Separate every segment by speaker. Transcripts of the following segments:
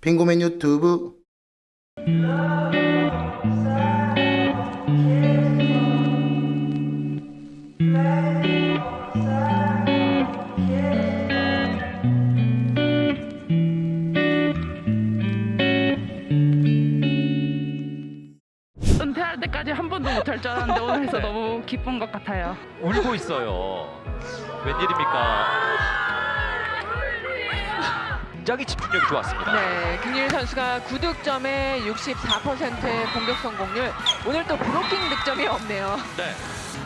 Speaker 1: 빙고맨 유튜브.
Speaker 2: 은퇴할 때까지 한 번도 못할 줄 알았는데 오늘 해서 너무 기쁜 것 같아요.
Speaker 3: 울고 있어요. 웬일입니까? 굉장히 집중력이 좋았습니다.
Speaker 4: 네, 김유리 선수가 9득점에 64%의 공격 성공률. 오늘 또 브로킹 득점이 없네요.
Speaker 3: 네.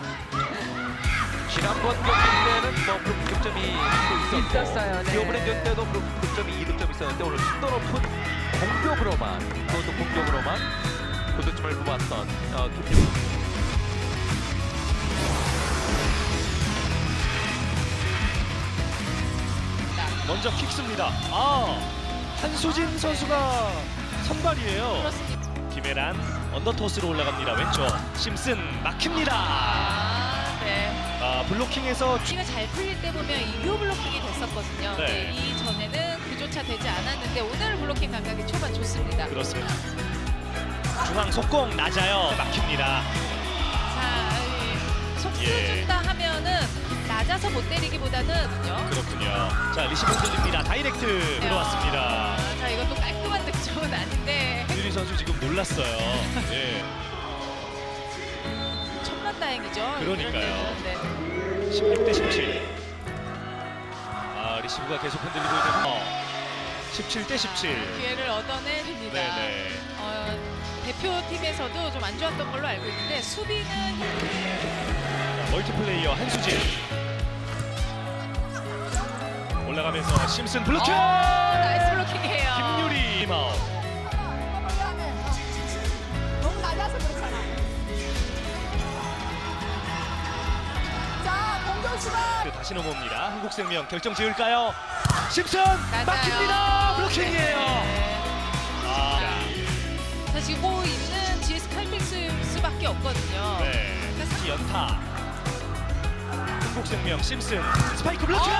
Speaker 3: 지난번 경기 때는 뭐 브로킹 득점이 또
Speaker 4: 있었어요, 네.
Speaker 3: 이번에 경기 때도 브로킹 득점이 2득점 있었는데 오늘 심도 높은 공격으로만, 그것도 공격으로만 9득점을 뽑았던 김유리.
Speaker 5: 먼저 킥습니다. 한수진 선수가 선발이에요.
Speaker 4: 그렇습니다.
Speaker 5: 김혜란 언더토스로 올라갑니다. 왼쪽 심슨 막힙니다.
Speaker 4: 네.
Speaker 5: 블로킹에서
Speaker 6: 경기가 잘 풀릴 때 보면 이교 블로킹이 됐었거든요.
Speaker 5: 네.
Speaker 6: 네, 이전에는 그조차 되지 않았는데 오늘 블로킹 감각이 초반 좋습니다.
Speaker 5: 그렇습니다. 중앙 속공 낮아요. 막힙니다.
Speaker 6: 자, 속수
Speaker 5: 예.
Speaker 6: 준다 하면은 낮아서 못 때리기보다는요.
Speaker 5: 그렇군요. 자, 리시브 흔들립니다. 다이렉트 들어왔습니다.
Speaker 6: 자, 이것도 깔끔한 득점은 아닌데
Speaker 5: 유리 선수 지금 놀랐어요. 예.
Speaker 6: 천만다행이죠.
Speaker 5: 그러니까요.
Speaker 6: 네.
Speaker 5: 16대 17. 리시브가 계속 흔들리고 있는 17대 17.
Speaker 6: 기회를 얻어내립니다.
Speaker 5: 네네.
Speaker 6: 대표팀에서도 좀 안 좋았던 걸로 알고 있는데 수비는
Speaker 5: 멀티플레이어 한수진 올라가면서 심슨 블로킹.
Speaker 6: 나이스 블로킹이에요.
Speaker 5: 김유리 마우.
Speaker 7: 너무 낮아서 그렇잖아. 자, 공격수가
Speaker 5: 다시 넘어옵니다. 한국생명 결정 지을까요? 심슨
Speaker 6: 맞아요.
Speaker 5: 막힙니다. 블로킹이에요.
Speaker 6: 네.
Speaker 5: 자,
Speaker 6: 자, 지금 뭐 있는 GS 칼텍스밖에 없거든요.
Speaker 5: 네. 연타. 한국생명 심슨 스파이크 블로킹.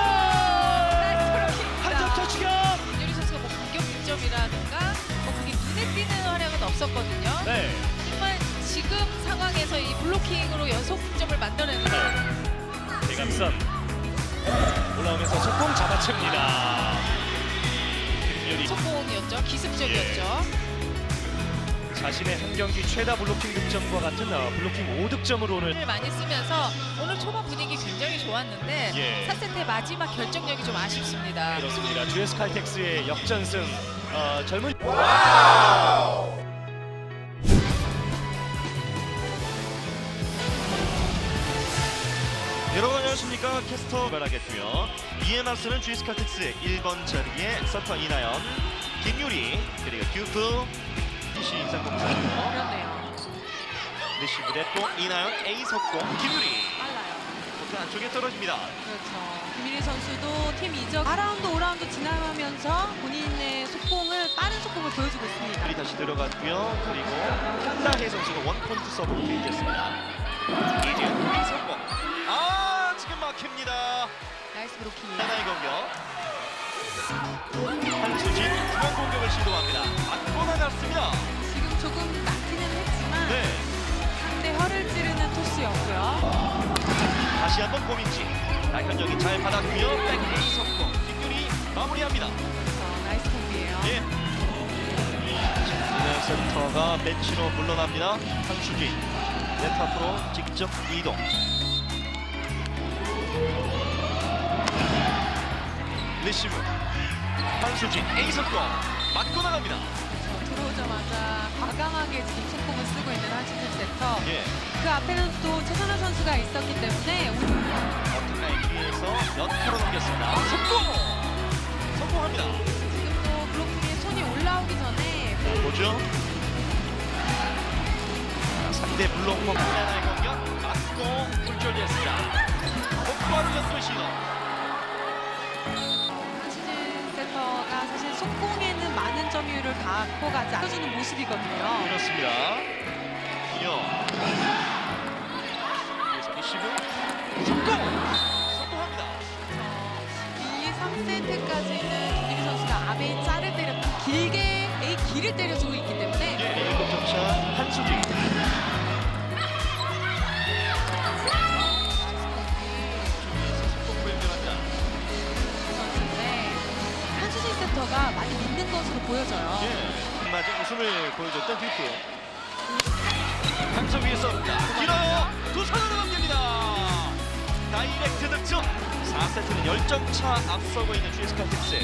Speaker 5: 한점 터치격.
Speaker 6: 김유리 선수가 뭐 공격 득점이라든가 뭐 그게 눈에 띄는 활약은 없었거든요.
Speaker 5: 네.
Speaker 6: 정말 지금 상황에서 이 블로킹으로 연속 득점을 만들어내는
Speaker 5: 대감선 올라오면서 속공 잡아챕니다. 김유리
Speaker 6: 속공이었죠. 기습적이었죠.
Speaker 5: 자신의 한 경기 최다 블로킹 득점과 같은 블로킹 5득점으로 오늘
Speaker 6: 을 많이 쓰면서 오늘 초반 분위기 굉장히 좋았는데
Speaker 5: 예.
Speaker 6: 4세트의 마지막 결정력이 좀 아쉽습니다.
Speaker 5: 그렇습니다. GS 칼텍스의 역전승. 젊은
Speaker 8: 여러분 안녕하십니까. 캐스터 말하겠고요. 이에 맞서는 GS 칼텍스의 1번 자리에 서터 이나연, 김유리, 그리고 듀프, PC 인상공사고요.
Speaker 4: 그렇네요.
Speaker 8: 리시브 됐고 이나연 A 속공, 김유리
Speaker 4: 빨라요.
Speaker 8: 코트 안쪽에 떨어집니다.
Speaker 7: 그렇죠. 김일희 선수도 팀 이적 4라운드, 5라운드 지나가면서 본인의 속공을 빠른 속공을 보여주고 있습니다.
Speaker 8: 유리 다시 들어갔고요. 그리고 한다혜 선수가 원포인트 서브로 페이지했습니다. 이지은 B 속공. 지금 막힙니다.
Speaker 4: 나이스 브로킹.
Speaker 8: 하나의 공격. 한수진 중앙 공격을 시도합니다. 맞고 나갔습니다.
Speaker 7: 지금 조금 막히는 했지만
Speaker 8: 네.
Speaker 7: 상대 혀를 찌르는 토스였고요.
Speaker 8: 다시 한번 고민지. 날현정이 잘 받았고요. 백 A 성공. 김유리 마무리합니다.
Speaker 7: 나이스 콤비예요.
Speaker 8: 예. 이는 센터가 벤치로 물러납니다. 한수진 네트 앞으로 직접 이동. 리시브. 한수진 A 성공. 맞고 나갑니다.
Speaker 7: 들어오자마자 과감하게 지금 속공을 쓰고 있는 한신준 세터.
Speaker 8: 예.
Speaker 7: 그 앞에는 또 최선화 선수가 있었기 때문에
Speaker 8: 어택라인 뒤에서 연타로 넘겼습니다. 성공! 성공합니다.
Speaker 7: 지금 또 블로킹에 손이 올라오기 전에
Speaker 8: 보죠. 상대 블록공 하나의 공격 맞고 굴절됐습니다. 곧바로 연도 시도.
Speaker 7: 한신준 세터가 사실 속공에는 많은 점유율을 갖고 가지 않아주는 모습이거든요.
Speaker 8: 그렇습니다. 이어. 그래서 리시브 성공! 성공합니다.
Speaker 7: 이 3세트까지는 김유리 선수가 아베이 짤을 때렸다. 길게
Speaker 8: 한수지.
Speaker 7: 선수인데 한수진 세터가 많이 믿는 것으로 보여져요.
Speaker 8: 예, 맞은 웃음을 보여줬던 듀프. 한쪽 위에 쏩니다. 길어요. 두 손으로 넘깁니다. 다이렉트 득점. 4세트는 10점 차 앞서고 있는 GS 칼텍스.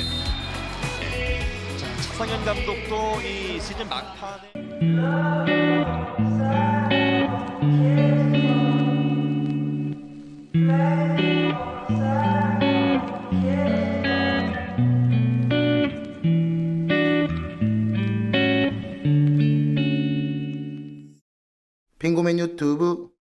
Speaker 8: 자, 차상현 감독도 이 시즌 막판에
Speaker 1: 빙고맨 유튜브